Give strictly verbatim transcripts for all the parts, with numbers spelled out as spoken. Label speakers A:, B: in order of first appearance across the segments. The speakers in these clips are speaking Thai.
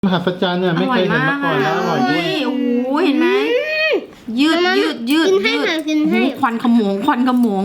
A: มหัศจรรย์เนี่ยไม่เคยเห็นมาก่อนแล้วอร่อยด้วย
B: โอ้โหเห็นไหมยืดยืดยืดยืดควันขโมงควันขโมง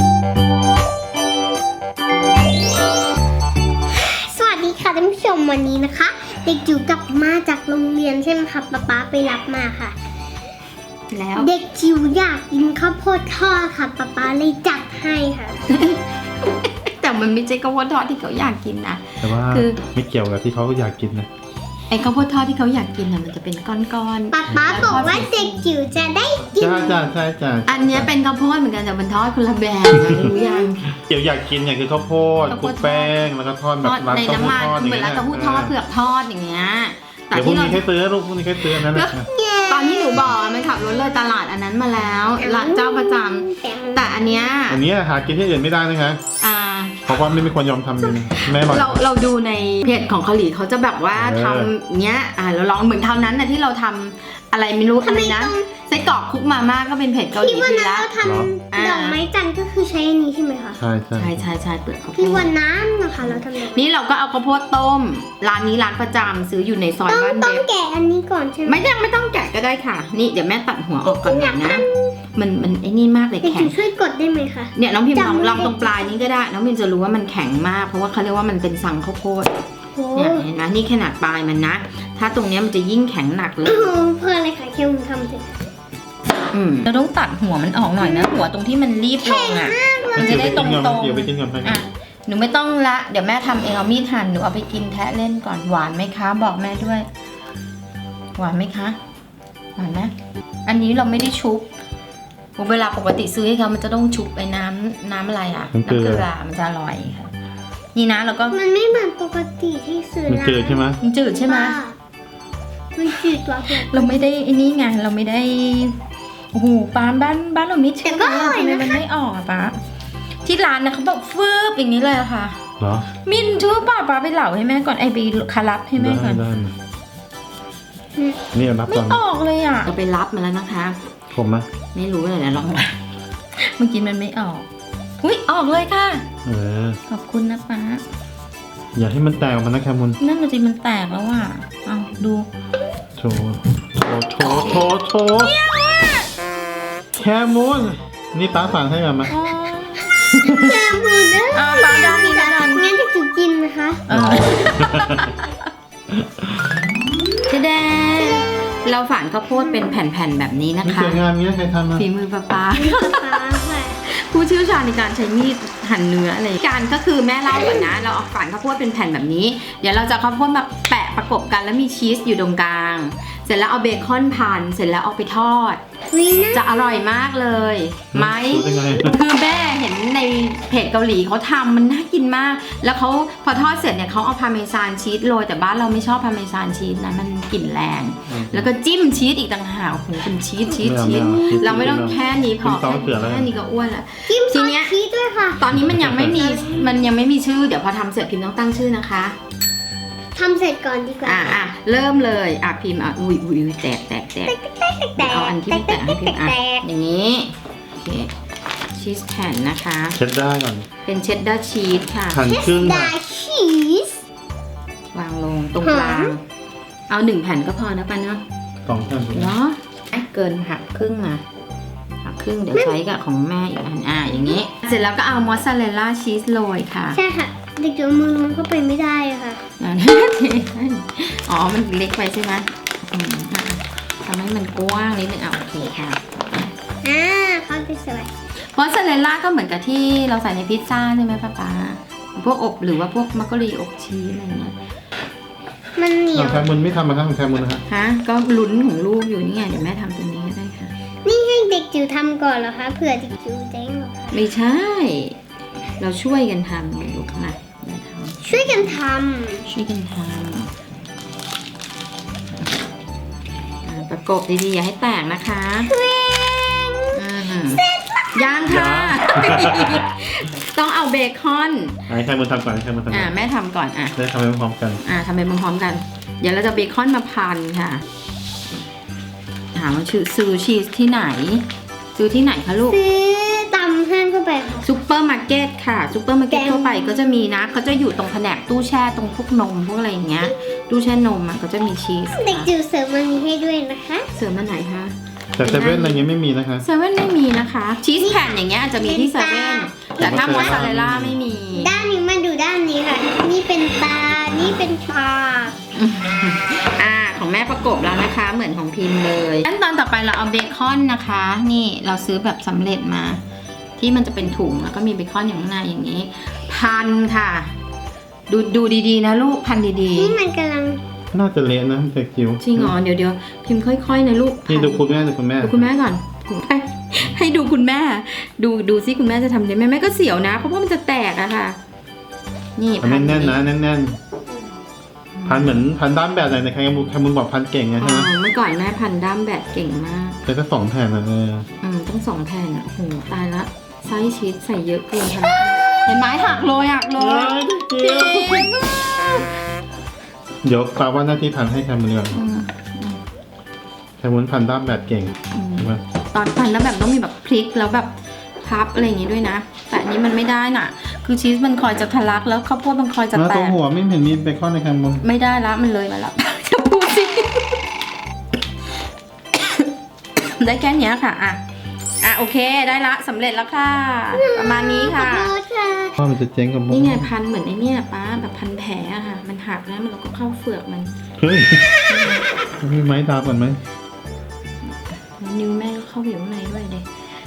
C: สวัสดีค่ะท่านผู้ชมวันนี้นะคะเด็กจิ๋วกลับมาจากโรงเรียนใช่ไหมคะป๊าป๊าไปรับมาค่ะ
B: แล้ว
C: เด็กจิ๋วอยากกินข้าวโพดทอดค่ะป๊าป๊าเลยจัดให้ค่ะ
B: แต่มันไม่ใช่ข้าวโพดทอดที่เขาอยากกินนะ
A: แต่ว่าคือไม่เกี่ยวกับที่เขาอยากกินนะ
B: ไอ้ข้าวโพดทอดที่เขาอยากกินน่ะมันจะเป็นก้อนๆ
C: ป๊าป๊าบอกว่าเด็กจิ๋วจะได้กิน
A: จ้าจ้าใช่จ้า
B: อันนี้เป็นข้าวโพดเหมือนกันแต่มันทอดคนละแบบรู้ยัง
A: เกี่ยวอยากกินเนี่ยคือข้าวโพดคลุกแป้งแล้วก็ทอดแบบร้านข้าวโพดทอด
B: เหมือนร้านข้าวโพดทอดเผือกทอดอย่างเงี้ย
A: แต่พวกนี้แค่ซื้อลูกพวกนี้แค่ซื้อนั่นแหละ
B: ตอนที่หนูบอกมันขับรถเลยตลาดอันนั้นมาแล้วร้านเจ้าประจำแต่อันเนี้ย
A: อันนี้หากินที่อื่นไม่ได้นะคะ
B: อ่า
A: เพราะว่าไม่มีคนยอมทำเลยแม่บอก
B: เราเราดูในเพจของเกาหลีเขาจะแบบว่าทำเนี้ยอ่าเราลองเหมือนเท่านั้นนะที่เราทำอะไรไม่รู้อะไรนะไส้กรอกคุกมาม่าก็เป็นเพจเกาหลีทีละ
C: ที่วันนั้นเราทำดอกไม้จันทร์ก็คือใช้อันนี้ใช่ไหมคะ
A: ใช่ใช่
B: ใช่ใช่ใช่เปลือกข้าวโพด
C: ที่วันนั้นนะคะเราทำ
B: นี่เราก็เอาข้าวโพดต้มร้านนี้ร้านประจำซื้ออยู่ในซอยบ้านเด็ก
C: ต้องแกะอันนี้ก่อนใช่ไหม
B: ไม่ต้องไม่ต้องแกะก็ได้ค่ะนี่เดี๋ยวแม่ตัดหัวออกก่อนนะมันมันไอ้นี่มากเลยแข็ง
C: ช่วยกดได้ไหมคะ
B: เนี่ยน้องพิมพ์ลองลองตรงปลายนี้ก็ได้น้องพิมพ์จะรู้ว่ามันแข็งมากเพราะว่าเขาเรียกว่ามันเป็นสังข้าวโพดเนี่ยเห็นไหมนี่ขนาดปลายมันนะถ้าตรงนี้มันจะยิ่งแข็งหนักเลย
C: เพื่ออะไรคะเคี่ยวทำเสร็จ
B: อืมเราต้องตัดหัวมันออกหน่อยนะหัวตรงที่มันรีบลงอ่ะมันจะได้ตรงตรงอ่ะหนูไม่ต้องละเดี๋ยวแม่ทำเองเอามีดหั่นหนูเอาไปกินแทะเล่นก่อนหวานไหมคะบอกแม่ด้วยหวานไหมคะหวานไหมอันนี้เราไม่ได้ชุบเวลาปกติซื้อให้เขามันจะต้องชุบไอ้น้ำน้ำอะไรอ่ะน้ำเกลือมันจะอร่อยค่ะนี่นะแล้วก็
C: มันไม่เหมือนปกติที่ซื้อ
A: มันจืดใช่ไหม
B: มันจืดใช่ไหม
C: มันจืดกว่า
B: เราไม่ได้ไอ้นี่ไงเราไม่ได้โอ้โหป้าบ้านบ้านเราไม่ชิมเลยทำไมมันไม่ออกอ่ะป้าที่ร้านนะเขาบอกฟืบอย่างนี้เลยค่ะ
A: เหรอ
B: มินชื่อป้าป้าไปเหล่าให้แม่ก่อนไอบีคารับให้แม่ก่อน
A: นี่รับก่อน
B: ไม่ออกเลยอ่ะเราไปรับมาแล้วนะคะ
A: ผมไหม
B: ไม่รู้เลยนะลองเมื่อกี้มันไม่ออกอุ้ยออกเลยค่ะ
A: เออ
B: ขอบคุณนะป้า
A: อย่าให้มันแตกออกมานะแคมุน
B: นั่นมันจริงมันแตกแล้วว่ะเอาดู
A: โถโถโถโถโถแคมุนนี่ป้าสั่งให้มาไหม
C: แคมุนนะ
B: อ่าป้าดองนี่นะ
C: งั้นจะจุกินนะคะ
B: เจ๊แดงเราฝานข้าวโพดเป็นแผ่นๆแบบนี้นะคะ
A: สวยงามเนี้ยใครทำมา
B: ฝีมือป้าป้าผู้เชี่ยวชาญในการใช้มีดหั่นเนื้ออะไรการก็คือแม่เล่าก่อนนะเราเอาฝานข้าวโพดเป็นแผ่นแบบนี้เดี๋ยวเราจะข้าวโพดมาแปะประกบกันแล้วมีชีสอยู่ตรงกลางเสร็จแล้วเอาเบคอนพันเสร็จแล้วเอาไปทอดจะอร่อยมากเลยไหมคือแม่เห็นในเพจเกาหลีเขาทำมันน่ากินมากแล้วเขาพอทอดเสร็จเนี่ยเขาเอาพาเมซานชีสโรยแต่บ้านเราไม่ชอบพาเมซานชีสนะมันกลิ่นแรงแล้วก็จิ้มชีสอีกต่างหากโหเป็นชีสชีสชีสเราไม่ต้องแค่นี้พอแค่นี้ก็อ้วนแล้ว
C: ทีเนี้ยชีสด้วยค่ะ
B: ตอนนี้มันยังไม่มีมันยังไม่มีชื่อเดี๋ยวพอทำเสร็จพิมพ์ต้องตั้งชื่อนะคะ
C: ทำเสร็จก่อนดีกว่า
B: อ่ะอ่ะเริ่มเลยอ่ะพิมพ์อ่ะอุ้ยอุ้ยแตกแตกแตกเอาอันที่ไม่แตกให้พิมพ์อ่ะอย่างนี้โอเคชีสแผ่นนะคะ
A: เช็ดได้ก่อน
B: เป็นเชดดาร์ชีสค่ะ
A: หั่นครึ่งค่ะ
C: ชีส
B: วางลงตรงกลางเอาหนึ่งแผ่นก็พอนะป้าเนาะ
A: สองแผ่น
B: เนาะเกินหักครึ่งมาหักครึ่งเดี๋ยวใช้กับของแม่อีกอันอ่ะอย่างนี้เสร็จแล้วก็เอามอสซาเรลล่าชีสโรยค่ะ
C: ใช่ค่ะเด็กเดี๋ยวมือมันเข้าไปไม่ได้ค่ะ
B: อ๋อมันเล็กไปใช่ไหมทำให้มันกว้างนิดนึงอ่ะโอเคค่ะ
C: อ่าเข้าไปสวย
B: มอสซาเรลล่าก็เหมือนกับที่เราใส่ในพิซซ่าใช่ไหมป้าป๊าพวกอบหรือว่าพวกมักกะรีอบชีสอะไรเงี้ย
C: มันเหนียว
A: แคมุนไม่ทำมาครับของแคมุนนะฮะ
B: ฮะก็ลุ้นของลูกอยู่นี่ไงเดี๋ยวแม่ทำตรงนี้ก็ได้ค่ะ
C: นี่ให้เด็กจิ๋วทำก่อนเหรอคะเผื่อเด็กจิ๋วเจ๊งหรอคะ
B: ไม่ใช่เราช่วยกันทำไงลูกมา
C: ช่วยกันทำ
B: ช่วยกันทำประกบดีๆอย่าให้แตกนะคะย่างค่ะต้องเอาเบคอน
A: ให้ใครมาทำก่อนให้ใครมาทำก่อน
B: อ่าแม่ทำก่อนอ่ะ
A: ได้ทำไปพร้อมกัน
B: อ่าทำไปพร้อมกันเดี๋ยวเราจะเบคอนมาพันค่ะถามว่าซื้อชีสที่ไหนซื้อที่ไหนคะลูก
C: ซื้อตำห้างทั่วไปค่ะ
B: ซูเปอร์มาร์เก็ตค่ะซูเปอร์มาร์เก็ต
C: แกง
B: ทั่วไปก็จะมีนะเขาจะอยู่ตรงแผนกตู้แช่ตรงพวกนมพวกอะไรอย่างเงี้ยตู้แช่นมอ่ะก็จะมีชีส
C: เด็กจิ๋วเสริมมันนี้ให้ด้วยนะคะ
B: เสริมมาไหนคะ
A: แต่เซเว่นอะไรเงี้ยไม่มีนะคะ
B: เซเว่นไม่มีนะคะชีสแผ่นอย่างเงี้ยอาจจะมีที่เซเว่นแต่ถ้ามอสซาเรลล่าไม่มี
C: ด้านนี้มาดูด้านนี้ค่ะ นี่เป็นตา นี่เป็นปาก
B: อ่าของแม่ประกบแล้วนะคะ เหมือนของพิมพ์เลยขั้นตอนต่อไปเราเอาเบคอนนะคะ นี่เราซื้อแบบสำเร็จมา ที่มันจะเป็นถุงแล้วก็มีเบคอนอยู่ข้างในอย่างนี้ พันค่ะ ดูดูดีๆนะลูกพันดี
C: นี่มันกำลัง
A: น่าจะเละนะเด็กจิ๋ว
B: ๆจริงเหรอเดี๋ยวเดี๋ยวพิมพ์ค่อยๆนะลูก
A: นี่ดูคุณแม่ดูคุณแม่
B: ดูคุณแม่ก่อนให้ให้ดูคุณแม่ ดูดูซิคุณแม่จะทำได้ไหมแม่ก็เสียวนะ เพราะว่ามันจะแตกอะค่ะ นี่
A: เอาแน่นๆนะแน่นๆพันเหมือนพันด้ามแบบไหนในใครมุนใครมุนบอกพันเก่งไง
B: อ๋
A: ใช่ไหม
B: อเมื่อก่อนแม่พันด้ามแบบเก่งมาก
A: แต่ก็สองแผ่นนะเออ
B: อืมต้องสองแผ่นอ่ะโหตายละไส้ชีสใส่เยอะเกินค่ะเห็นไหมหักเลยหักเลย
A: เดี๋ยวเดี๋ยวกล่าวว่าหน้าที่พันให้แคมุนก่อน
B: อืม
A: แคมุนพันด้ามแบบเก่ง
B: อืม
A: ใช่ไหม
B: ตอนพันแล้วแบบต้องมีแบบพลิกแล้วแบบพับอะไรอย่างงี้ด้วยนะ แต่อันนี้มันไม่ได้น่ะ คือชีสมันคอยจะทะลักแล้วข้าวโพดมันคอยจะ
A: แล้ว
B: แต
A: ตัว
B: ก
A: หัวไม่เห็นมีเบคอนในแคมุน
B: ไม่ได้ละมันเลยมาแล้ว จะพูดสิ ได้แค่เนี้ยค่ะอ่ะอ่ะโอเคได้ละสำเร็จแล้วค่ะ ประมาณนี้
C: ขอ
B: ค่ะ
C: โทษค่ะ
A: ว่ามันจะเจ๊งกับ
B: นี่ไงพันเหมือนไอ้เนี่ยป้าแบบพันแผลอะค่ะ มันหักแล้วมันเราก็เข้าเฟือกมัน
A: เฮ้ยมีไม้ตาก่อนไหม
B: นิ้วแม่ก็เข้าไปอยู่ข้างในด้วยเด็ก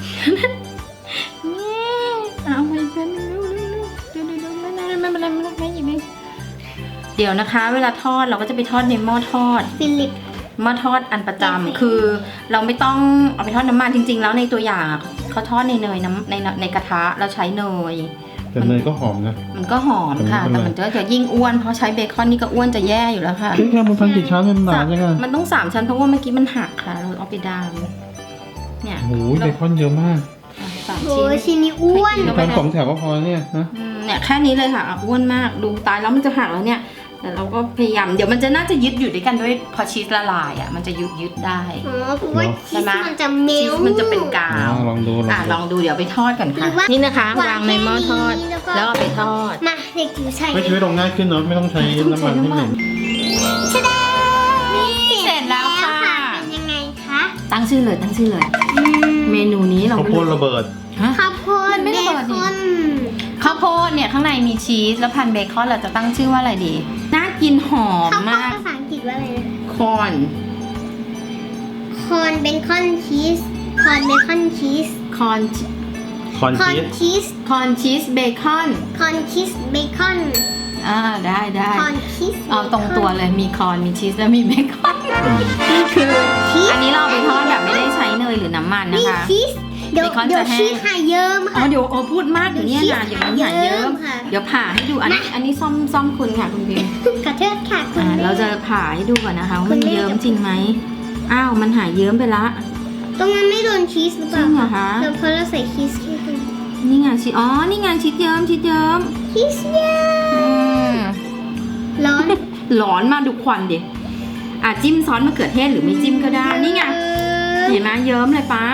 B: นี่เอาไปกันเร็วเร็วเร็วเดี๋ยวเดี๋ยวเดี๋ยวไม่ไม่ไม่เป็นไรไม่เป็นไรไม่หยิบเองเดี๋ยวนะคะ เวลาทอดเราก็จะไปทอดในหม้อทอด
C: ฟิลิป
B: หม้อทอดอันประจำคือเราไม่ต้องเอาไปทอดน้ำมันจริง ๆ แล้วในตัวอย่างอะเขาทอดในเนยน้ำในในกระทะเราใช้เนย
A: แต่เนยก็หอมนะ
B: มันก็หอมค่ะ
A: แต่
B: แต่
A: ไม่
B: มัน
A: เป็นไร
B: จะจะยิ่งอ้วนเพราะใช้เบคอนนี่ก็อ้วนจะแย่อยู่แล้วค่ะ
A: เฮ้ยแคมุนพันกี่ชั้นเป็นหนาจังอะ
B: มันต้องสามชั้นเพราะว่าเมื่อกี้มันหักค่ะ เราเอาไปดามเนี่ย
A: โอ้โหเบคอนเยอะมาก
B: อ่ะสาม
C: โอ้
B: ชิ้น
C: ชิ้นนี้อ้วน
B: ใครกิน
A: ทำสองแถวก็พอเนี่ยนะ
B: อืมเนี่ยแค่นี้เลยค่ะอ่ะอ้วนมากดูตายแล้วมันจะหักแล้วเนี่ยแต่เราก็พยายามเดี๋ยวมันจะน่าจะยึดอยู่ด้วยกันด้วยพอชีสละลายอ่ะมันจะยึดยึดได้
C: อ๋อเพราะว่า
B: ใช่
C: ชีส
B: ไหม
C: มันจะเม
B: ชี
C: ล
B: สมันจะเป็นกา
A: อ่าว ลองดูลอง
B: อ่ะล
A: ดู
B: องดูเดี๋ยวไปทอดกันค่ะ
C: หรือว่า
B: นี่นะคะวางในหม้อทอด
C: แล้
B: แล้ว
C: วก็
B: เอาไปทอด
C: มาเด็กจิ๋วใส่
A: ไม่ชีวิตลงง่ายขึ้นเนอะไม่ต้องใช้น้ำมันที่เหม็น
C: ชะดา
B: นี่เสร็จแล้วค่ะ
C: เป็นยังไงคะ
B: ตั้งชื่อเลยตั้งชื่อเลย
C: อืม
B: เมนูนี้เรา
A: ข้าว
B: ไม่
A: โพ
B: รู้
A: ดระเบิด
B: ฮะ
C: ข้าวโพด
B: ไม่
C: เบ
B: ระเบิด
C: ค
B: นี่
C: อน
B: ข้าวโพดเนี่ยข้างในมีชีสแล้วพันเบคอนเราจะตั้งชื่อว่าอะไรดี น่ากินหอม
C: ข้าวโพด
B: มาก
C: ภาษาอังกฤษว่าอะไรนะ
B: คอน
C: คอนเบคอนชีสคอนเบคอนชีส
B: คอน
A: คอน
C: คอน
A: ชีส
C: ชีส
B: คอนชีสเบคอน
C: คอนชีสเบคอน
B: อ่าได้ได้
C: คอนชีส
B: เอาตรงตัวเลยมีคอนมีชีสแล้วมีเบคอน
A: อืม
B: คืออันนี้เราเอาไปทอดแบบไม่ได้ใช้เนยหรือน้ำมันนะ
C: มี
B: คะ
C: ชีสเดี๋ยว
B: เบคอน
C: เดี๋ยว
B: จะแห้ง
C: ชีสหายเยิ้ม
B: อ๋อ
C: ค่ะ
B: เดี๋ยวโอ้พูดมากเดี๋ยวเนี้นะเดี๋ยวมันหายเยิ้ม
C: ค่ะ
B: เดี๋ยวผ่าให้ดูอันนี้อันนี้ซ่อมซ่อมคุณค่ะคุณพิมพ์
C: ขอโทษค่ะคุณ
B: อ่า
C: แม่
B: เราจะผ่าให้ดูก่อนนะคะว่า
C: คุ
B: มัน
C: ณแม่
B: เยิ้มจริงไหมอ้าวมันหายเยิ้มไปละ
C: ตรงนั้นไม่โดนชีสหรือเป
B: จริ
C: ล่าง
B: เหรอคะ
C: เราเพราะเราใส่ชีสแค่ตรง
B: นี่ไงชีอ๋อนี่ไงชีสเยิ้มชีสเยิ้ม
C: ชีสเยิ้ม
B: อืม
C: ร้อน
B: ร้อนมาดูควันดิอ่ะจิ้มซอสมะเขือเทศหรือไม่จิ้มก็ได้นี่ไงเห็นไหมเยิ้มเลยป้า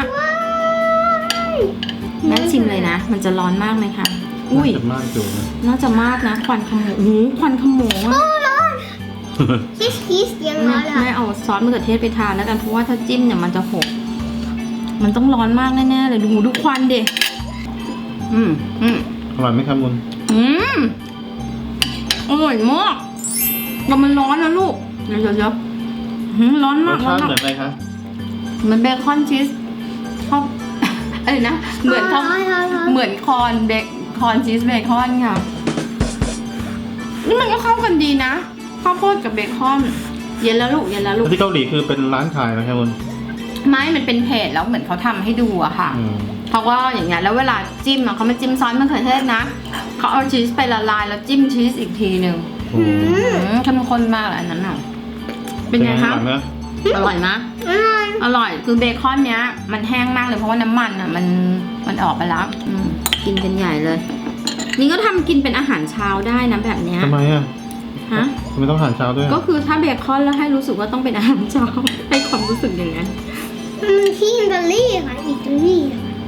B: แม่ชิมเลยนะ มันจะร้อนมากไหมคะอุ้ย
A: น่าจะมากอยู่นะ
B: น่าจะมากนะควันขโมงโอ้โหควันขโมงอะ
C: ชีสชีสยัง
B: แม่
C: ร้อนเลย
B: แม่เอาซอสมะเขือเทศไปทานแล้วกันเพราะว่าถ้าจิ้มเนี่ยมันจะหกมันต้องร้อนมากแน่ๆเลยดูดูควันดิอืมอืม
A: อร่อยไหมครับมุน
B: อืมอร่อยมากแต่มันร้อนนะลูกเดี๋ยวเดี๋ยวเดี๋ยวหืมร้อน
A: ร
B: มาก
A: ส
B: ร้อ
A: ชาน ติ
B: มาก
A: เหมือนอะไรคะ
B: เหมือนเบคอนชีสชอบ เอ้ยนะเหมือนเขา
C: ร้อนร้อนร้อน
B: เหมือนคอนเบคคอนชีสเบคอนค่ะนี่มันก็เข้ากันดีนะข้าวโพดกับเบคอนเย็นแล้วลูกเย็นแล้วลูก
A: ที่เกาหลีคือเป็นร้านขายนะครับมุน
B: ไม้มันเป็นเพจแล้วเหมือนเขาทำให้ดูอะค่ะ
A: อืม
B: เขาก็อย่างเงี้ยแล้วเวลาจิ้มอะเขาไม่จิ้มซอสมะเขือเทศนะเขาเอาชีสไปละลายแล้วจิ้มชีสอีกทีหนึ่ง
A: โอ้โห
B: อืมเข้มข้นมากเลยอันนั้นอ่ะเป็นไงคะ
A: อร่อยไหม
B: อร่อยมะ
C: อร่อย
B: อร่อยคือเบคอนเนี้ย มันแห้งมากเลยเพราะว่าน้ำมันอ่ะมันมันออกไปแล้วอืมกินกันใหญ่เลย นี่ก็ทำกินเป็นอาหารเช้าได้นะแบบเนี้ย
A: ทำไมอ่ะ
B: ฮะ
A: ทำไมต้องอาหารเช้าด้วย
B: ก็คือถ้าเบคอนแล้วให้รู้สึกว่าต้องเป็นอาหารเช้า ให้ความรู้สึกอย่างนั้น
C: มันที่อิตาลีค่ะอิตาลีค่ะ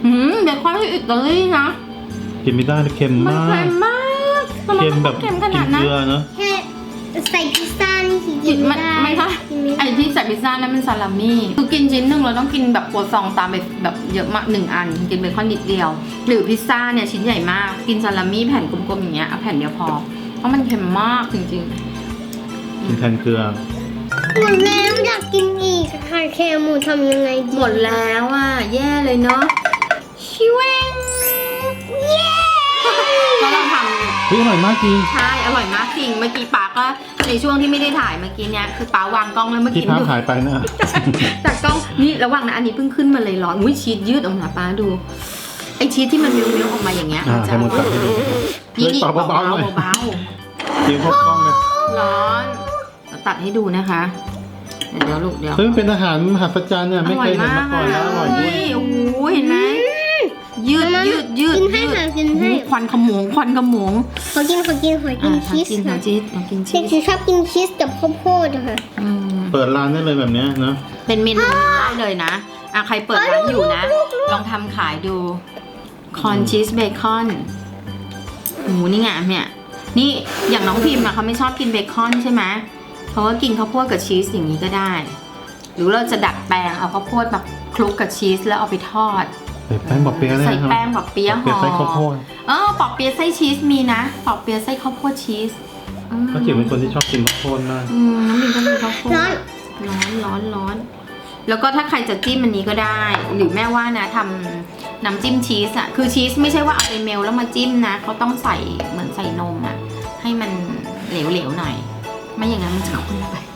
B: หืมเบคอนที่อิตาลีนะ
A: กินไม่ได้เลยเค็ม
B: มัน
A: มา
B: เค็
A: ก
B: มมากทำไม
A: เค็ม
B: มัน
A: แบบ
B: เค็มข
A: กิ
B: นาด
A: น
B: นั้
A: เก
B: น
A: ลือเนอะ
C: แค่ใส่พิซซ่านี่คือกิน
B: มั
C: ไม่
B: น
C: ได้
B: ไม่ใช่
C: กินไม่
B: ไอ้
C: ได้
B: ที่ใส่พิซซ่านั้นมันซาลามี่คือกินชิ้นหนึ่งเราต้องกินแบบครัวซองตามไปแบบเยอะมากหนึ่งอันกินเบคอนนิดเดียว หรือพิซซ่าเนี่ยชิ้นใหญ่มากกินซาลามี่แผ่นกลมๆอย่างเงี้ยเอาแผ่นเดียวพอเพราะมันเค็มมากจริง
A: กินแทนเกลือ
C: หมดแล้วอยากกินอีกค่ะแคมูทำยังไงดี
B: ๆหมดแล้วอ่ะแย่เลยเนาะชิวง
C: เย้
B: เพราะเราทำ
A: เฮ้ยอร่อยมากจริง
B: ใช่อร่อยมากจริงเมื่อกี้ป๊าก็ในช่วงที่ไม่ได้ถ่ายเมื่อกี้เนี่ยคือป๊าวางกล้องแล้วเมื่อ
A: ที่
B: กี้
A: พับ
B: ดู
A: หายไปนะ
B: จากกล้องนี่ระหว่างนะอันนี้เพิ่งขึ้นมาเลยร้อนอุ้ยชีสยืดออกมาป๊าดูไอชีสที่มันมิ้วๆออกมาอย่างเงี้ย
A: อ่า
B: มันจะ
A: ให้มันตัดให้ดู
B: นี่นี่
A: เฮ้ยเบาๆหน่อย
B: เบา
A: กินพวกกล้องเลย
B: ๆร้อนเราตัดให้ดูนะคะ เดี๋ยวลูกเดี๋ยว
A: เฮ้ยมันเป็นอาหารมหัศจรรย์เนี่ยไม่เคยเห็นมาก่อนแล้วอร่อยด้วย
B: โอ้โหเห็นไหมยืดยืดยืด
C: กินให้
B: ยืด
C: ค่ะกินให้
B: โอ้โหควันขโมงควันขโมง
C: ขอกินขอกินขอกิ
B: อ่ะ
C: น
B: ขอ
C: ชีส
B: กินขอ
C: ค่ะ
B: ชีสขอกินชี
C: เด็ก
B: ส
C: จิ๋วชอบกินชีสกับข้าวโพดอะค่ะ
B: อืม
A: เปิดร้านได้เลยแบบเนี้ยเนอะ
B: เป็นเมนูได้เลยนะอ่ะใครเปิดร้านอยู่นะ ลองทำขายดูคอนชีสเบคอนโอ้โหนี่ไงเนี่ยนี่อย่างน้องพิมพ์อะเขาไม่ชอบกินเบคอนใช่ไหมเขาก็กินข้าวโพดกับชีสอย่างนี้ก็ได้ หรือเราจะดัดแปลงเอาข้าวโพดแบบคลุกกับชีสแล้วเอาไปทอด
A: ใส่แป้งบอบเปี๊ยะเลย
B: ใส่
A: นะครับ
B: แป้งแบบเปี๊ยะ
A: บอบ
B: ห่
A: เปี๊ยะ
B: อ
A: ใส่ข้าวโพด
B: เออปอกเปี๊ยะไส้ชีสมีนะปอกเปี๊ยะไส้ข้าวโพดชีสอืม
A: ก็จิ๋วเป็นคนที่ชอบกินข้าวโพดมาก
B: อืมน้องบินก็มีข้าวโพด
C: ร้อน
B: ร้อนร้อนร้อนแล้วก็ถ้าใครจะจิ้มอันนี้ก็ได้ หรือแม่ว่านะทำน้ำจิ้มชีสอะคือชีสไม่ใช่ว่าเอาไปเมลแล้วมาจิ้มนะเขาต้องใส่เหมือนใส่นมอะให้มันเหลวๆหน่อย ไม่อย่างนั้นมันจะข้นไป